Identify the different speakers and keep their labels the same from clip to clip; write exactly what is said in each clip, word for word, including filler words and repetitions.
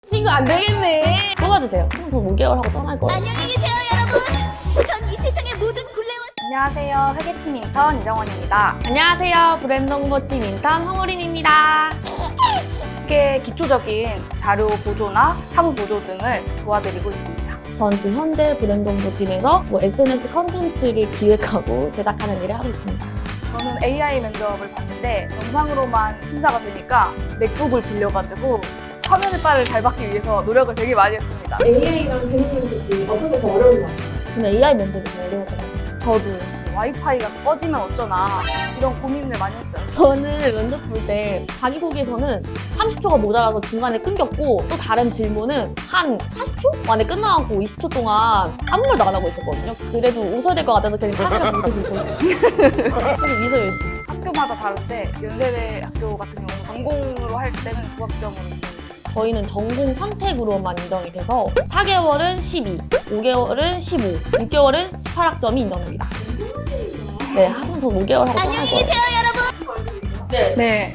Speaker 1: 친구 안 되겠네. 뽑아주세요. 그럼 저 오 개월 하고 떠날 거예요.
Speaker 2: 안녕히 계세요, 여러분. 전 이 세상의 모든 굴레와
Speaker 3: 안녕하세요. 회계팀 인턴 이정원입니다.
Speaker 1: 안녕하세요. 브랜드 홍보팀 인턴 홍우림입니다.
Speaker 3: 회계 기초적인 자료 보조나 사무 보조 등을 도와드리고 있습니다.
Speaker 1: 전 지금 현재 브랜드 홍보팀에서 뭐 에스엔에스 컨텐츠를 기획하고 제작하는 일을 하고 있습니다.
Speaker 3: 저는 에이아이 면접을 봤는데 영상으로만 심사가 되니까 맥북을 빌려가지고 화면의 빨을 잘 받기 위해서 노력을 되게 많이 했습니다.
Speaker 4: 에이아이랑 대면 면접이 어떤 게 더 어려운 것 같아요?
Speaker 1: 저는 에이아이 면접이 더 어려웠더라고요.
Speaker 3: 저도 와이파이가 꺼지면 어쩌나 이런 고민을 많이 했어요.
Speaker 1: 저는 면접 볼 때 자기소개서는 삼십 초가 모자라서 중간에 끊겼고 또 다른 질문은 한 사십 초 만에 끝나고 이십 초 동안 아무 말도 안 하고 있었거든요. 그래도 웃어야 될 것 같아서 그냥 카메라 보고 계속 보고 있어요. 계속 미소 열심히.
Speaker 3: 학교마다 다른데 연세대 학교 같은 경우는 전공으로 할 때는 부학점으로 있어요.
Speaker 1: 저희는 전공 선택으로만 인정이 돼서 사 개월은 십이, 오 개월은 십오, 육 개월은 십팔 학점이 인정됩니다. 네, 하지만 전 오 개월 하고 떠날
Speaker 2: 안녕히
Speaker 1: 거예요.
Speaker 2: 계세요, 여러분.
Speaker 1: 네.
Speaker 3: 네.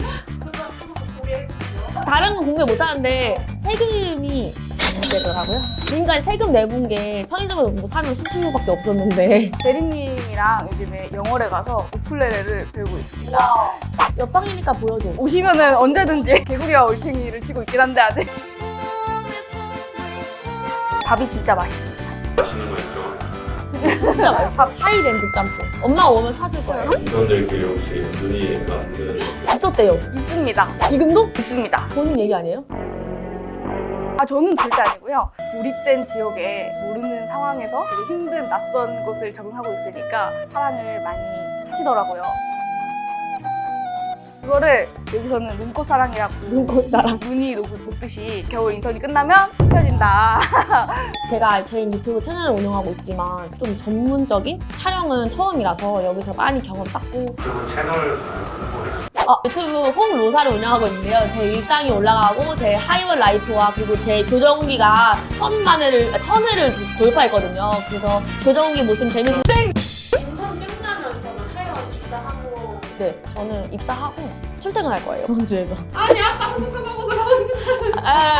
Speaker 1: 다른 건 공개 못 하는데 세금이 문제더라고요. 지금까지 세금 내본 게 편의점에서 뭐 사면 수수료밖에 없었는데
Speaker 3: 대리님이랑 요즘에 영월에 가서 우쿨렐레를 배우고 있습니다.
Speaker 1: 옆방이니까 보여줘.
Speaker 3: 오시면은 언제든지 개구리와 올챙이를 치고 있긴 한데 아직 밥이 진짜 맛있습니다.
Speaker 5: 맛있는 거 있죠?
Speaker 1: 진짜 맛있어. 하이랜드 짬뽕. 엄마가 오면 사줄 거예요.
Speaker 5: 인턴들끼리 혹시 눈이 맞는
Speaker 1: 있었대요.
Speaker 3: 있습니다.
Speaker 1: 지금도?
Speaker 3: 있습니다.
Speaker 1: 본인 얘기 아니에요?
Speaker 3: 아 저는 절대 아니고요. 고립된 지역에 모르는 상황에서 되게 힘든 낯선 곳을 적응하고 있으니까 사랑을 많이 하시더라고요. 그거를 여기서는 눈꽃 사랑이라고
Speaker 1: 눈꽃 사랑.
Speaker 3: 눈이 녹듯이 겨울 인턴이 끝나면 펴진다.
Speaker 1: 제가 개인 유튜브 채널을 운영하고 있지만 좀 전문적인 촬영은 처음이라서 여기서 많이 경험 쌓고
Speaker 5: 유튜브 채널 홍보를
Speaker 1: 아, 유튜브 홈 로사를 운영하고 있는데요. 제 일상이 올라가고 제 하이월 라이프와 그리고 제 교정후기가 천만 회를, 아, 천 회를 돌파했거든요. 그래서 교정후기 보시면 재밌으
Speaker 4: 인턴 끝나면 저는 하이원 입사하고
Speaker 1: 네, 저는 입사하고 출퇴근할 거예요. 이번 주에서.
Speaker 4: 아니 아까 한국도 가고서 가고 싶다.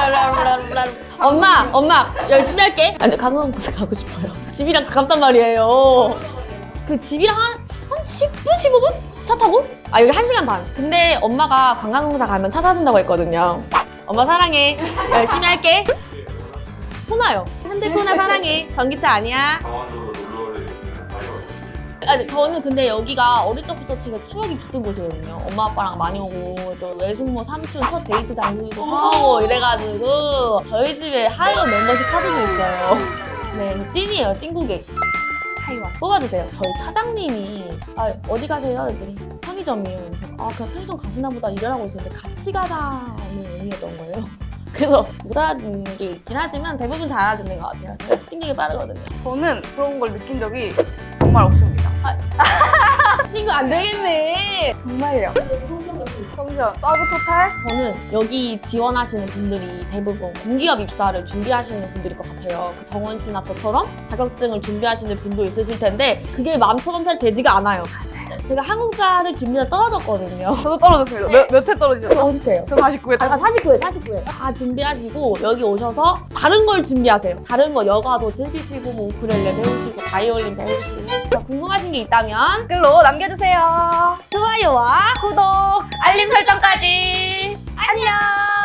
Speaker 1: 엄마, 엄마 열심히 할게. 아, 근데 강원도에 가고 싶어요. 집이랑 가깝단 말이에요. 그 집이랑 한, 한 십 분, 십오 분? 차 타고? 아, 여기 한 시간 반. 근데 엄마가 관광공사 가면 차 사준다고 했거든요. 엄마 사랑해. 열심히 할게. 코나요. 현대코나 사랑해. 전기차 아니야.
Speaker 5: 강원도로 놀러를 있으면 하이원
Speaker 1: 아, 네, 저는 근데 여기가 어릴 적부터 제가 추억이 깃든 곳이거든요. 엄마 아빠랑 많이 오고 또 외숙모 삼촌 첫 데이트 장소도 하고 이래가지고 저희 집에 하이원 멤버십 카드도 있어요. 네, 찐이에요. 찐고객. 하이원 뽑아주세요. 저희 차장님이 아, 어디 가세요? 그랬더니 편의점이에요. 그래서 아 그냥 편의점 가시나 보다 이러라고 있었는데 같이 가자는 의미였던 거예요. 그래서 못 알아듣는 게 있긴 하지만 대부분 잘 알아듣는 것 같아요. 제가 스팅력이 빠르거든요.
Speaker 3: 저는 그런 걸 느낀 적이 정말 없습니다.
Speaker 1: 친구 안 되겠네.
Speaker 3: 정말요. 성시원, 서브 토탈?
Speaker 1: 저는 여기 지원하시는 분들이 대부분 공기업 입사를 준비하시는 분들일 것 같아요. 그 정원 씨나 저처럼 자격증을 준비하시는 분도 있으실 텐데 그게 마음처럼 잘 되지가 않아요. 제가 한국사를 준비가 떨어졌거든요.
Speaker 3: 저도 떨어졌어요. 몇, 몇 회 떨어지셨죠?
Speaker 1: 오십 회요.
Speaker 3: 저 사십구 회
Speaker 1: 아까 사십구 회, 사십구 회. 다 준비하시고 여기 오셔서 다른 걸 준비하세요. 다른 거 여가도 즐기시고 뭐 우쿨렐레 배우시고 바이올린 배우시고 더 궁금하신 게 있다면
Speaker 3: 댓글로 남겨주세요.
Speaker 1: 좋아요와
Speaker 3: 구독, 알림 설정까지. 안녕.